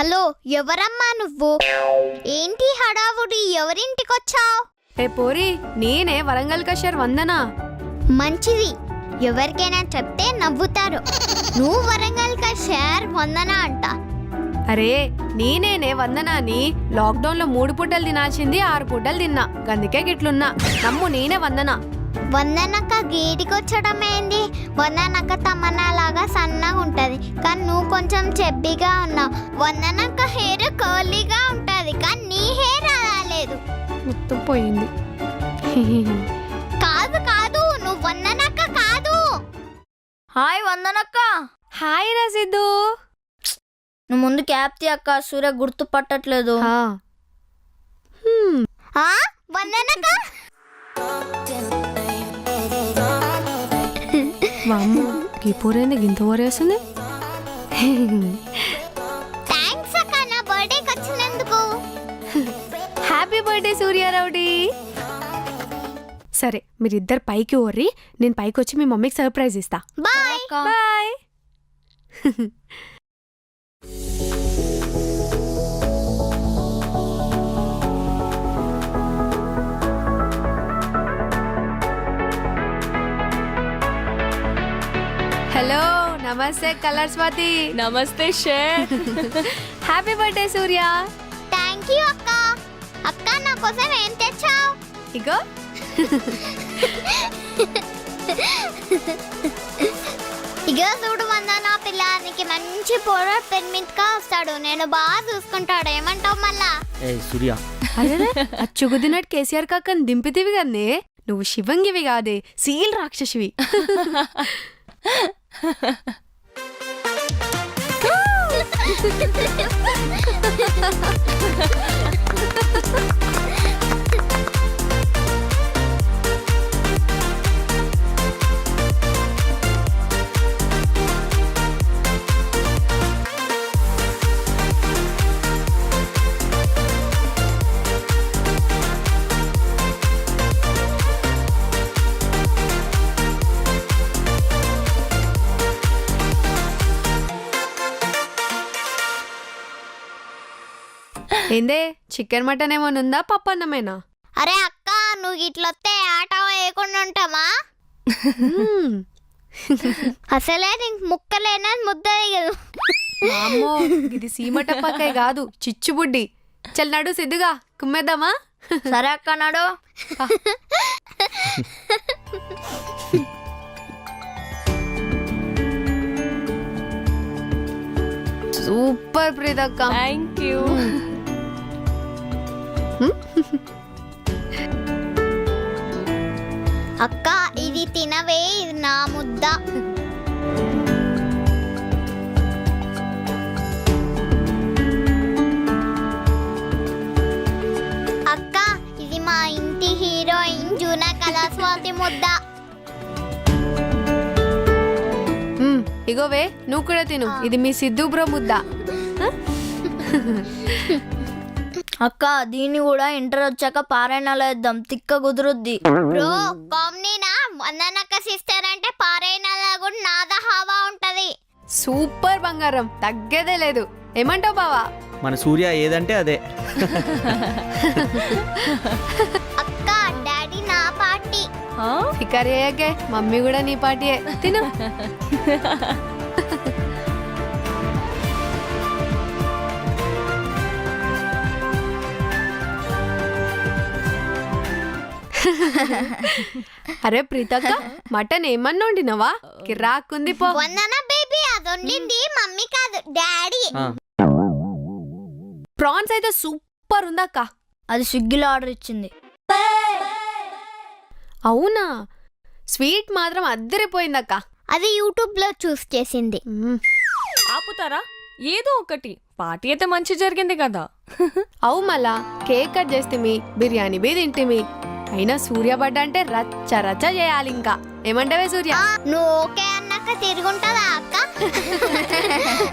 Hello, ఎవరమ్మా నువ్వు? ఏంటి హడావుడి? ఎవరింటికొచ్చావు? ఏ పోరి, నేనే వరంగల్ కషర్ వందనా. మంచిది, ఎవరికైనా చెప్తే నవ్వుతారు. నువ్వు వరంగల్ కషర్ వందనా అంట. అరే నేనేనే వందనాని. లాక్డౌన్ లో 3 పూటలు తినాల్సింది 6 పూటలు తిన్నా, గందుకే గిట్లున్నా. నమ్ము, నేనే వందనా. వందనక్క గేటికొచ్చడం ఏంది? వందనక్క తమన్నాలాగా సన్నగా ఉంటది, కానీ నువ్వు కొంచెం చెబ్బిగా ఉన్నావు. వందనక్క హెయిర్ కర్లీగా ఉంటది, కానీ నీ హెయిర్ అలా లేదు. మొత్తం పోయింది. కాదు కాదు, నువ్వు వందనక్క కాదు. హాయ్ వందనక్క. హాయ్ రసిద్దు. నువ్వు ముందు క్యాప్ తీ అక్క, సూర్య గుర్తుపట్టట్లేదు. వందనక్క వామ్మో, ఈ పూరేంది గింత ఊరేస్తుంది. థ్యాంక్స్ అక్క, నా బర్త్డేకి వచ్చినందుకు. హ్యాపీ బర్త్డే సూర్యారావుడి. సరే, మీరిద్దరు పైకి ఓర్రి, నేను పైకి వచ్చి మీ మమ్మీకి సర్ప్రైజ్ ఇస్తా. బాయ్. బాయ్. హలో, నమస్తే కలర్ స్వాతి. నమస్తే షేర్. Happy birthday Surya. Thank you అక్క. అక్క, నా కోసం ఏం తెచ్చావు? ఇగో. ఇగో చూడు వందనా, పిల్లానికి మంచి పొర పెన్మింట్గా వస్తాడు. నేను బాగా చూసుకుంటాడు. ఏమంటావు మళ్ళా? సూర్య, అదే అచ్చుగుద్దినట్టు కేసీఆర్ కాకని దింపితివి కన్నే. నువ్వు శివంగివి కాదే, సీల్ రాక్షసివి. ఏందే, చికెన్ మటన్ ఏమైనా ఉందా, పప్పు అన్నమేనా? అరే అక్క, నువ్వు ఇట్లొస్తే ఆట వేయకుండా ఉంటామా? అసలే నీకు ముక్కలేనా ముద్ద దిగదు. అమ్మో, ఇది సీమటప్పకాయ కాదు, చిచ్చుబుడ్డి. చల్ నడు సిద్ధుగా కుమ్మేద్దామా? సరే అక్క, నాడు. సూపర్ ప్రీతక్క. Thank you. అక్క, ఇది తినవే, ఇది నా ముద్ద. అక్క, ఇది మా ఇంటి హీరోయిన్ జూనా కళాస్వాతి ముద్ద. ఇగోవే, నువ్వు కూడా తిను. ఇది మీ సిద్ధు బ్రో ముద్ద. అక్క, దీన్ని కూడా ఇంటర్ వచ్చాక పారాయణాలు వేద్దాం, తిక్క కుదురుద్ది. బ్రో, కామ్నీనా? వందనక్క సిస్టర్ అంటే పారైనలా కూడా నాద హావా ఉంటది. సూపర్ బంగారం, తగ్గేదే లేదు. ఏమంటావు బావా? మన సూర్య ఏదంటే అదే. అక్క, డాడీ నా పార్టీ. ఫికర్ అయ్యాకే, మమ్మీ కూడా నీ పార్టీయే. తిను. అరే ప్రీతక్క, మటన్ ఏమన్నా వండినవా? కిరాక్కుంది పో. వందన బేబీ, అది వండింది మమ్మీ కాదు, డాడీ. ప్రాన్స్ అయితే సూపర్ ఉందక్క. అది స్విగ్గీలో ఆర్డర్ ఇచ్చింది. అవునా? స్వీట్ మాత్రం అద్దరిపోయిందక్క. అది యూట్యూబ్ లో చూస్ చేసింది. ఆపుతారా? ఏదో ఒకటి. పార్టీ అయితే మంచి జరిగింది కదా. అవు మళ్ళా కేక్ కట్ చేస్తేమి, బిర్యానీ బీ తింటిమి. అయినా సూర్య బడ్డ అంటే రచ్చ రచ్చ చేయాలి. ఇంకా ఏమంటావే సూర్య? నువ్వు ఓకే అన్నాక తిరుగుంటదా అక్క?